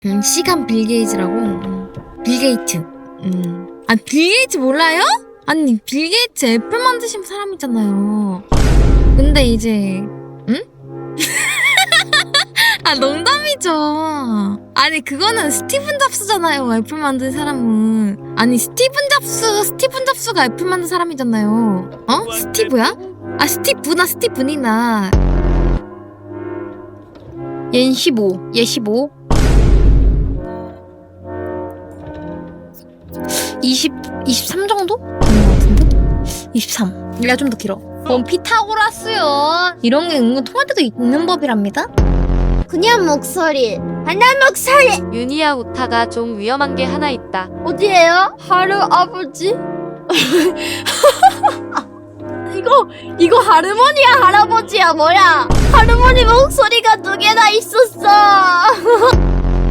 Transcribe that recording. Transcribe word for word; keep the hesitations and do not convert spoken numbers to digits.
음, 시간 빌 게이츠라고. 음. 빌 게이츠. 음. 아, 빌 게이츠 몰라요? 아니, 빌 게이츠 애플 만드신 사람이잖아요. 근데 이제, 응? 아, 농담이죠. 아니, 그거는 스티븐 잡스잖아요, 애플 만든 사람은. 아니, 스티븐 잡스, 스티븐 잡스가 애플 만든 사람이잖아요. 어? 스티브야? 아, 스티브나, 스티븐이나. 얜 십오, 얘 십오. 이십, 이십삼 정도? 그런 것 같은데? 이십삼. 얘가 좀 더 길어. 뭔 피타고라스요. 이런 게 은근 통할 때도 있는 법이랍니다. 그냥 목소리. 하나 목소리. 유니야 우타가 좀 위험한 게 하나 있다. 어디에요? 하루 아버지? 이거 이거 할머니야 할아버지야 뭐야? 할머니 목소리가 두 개나 있었어.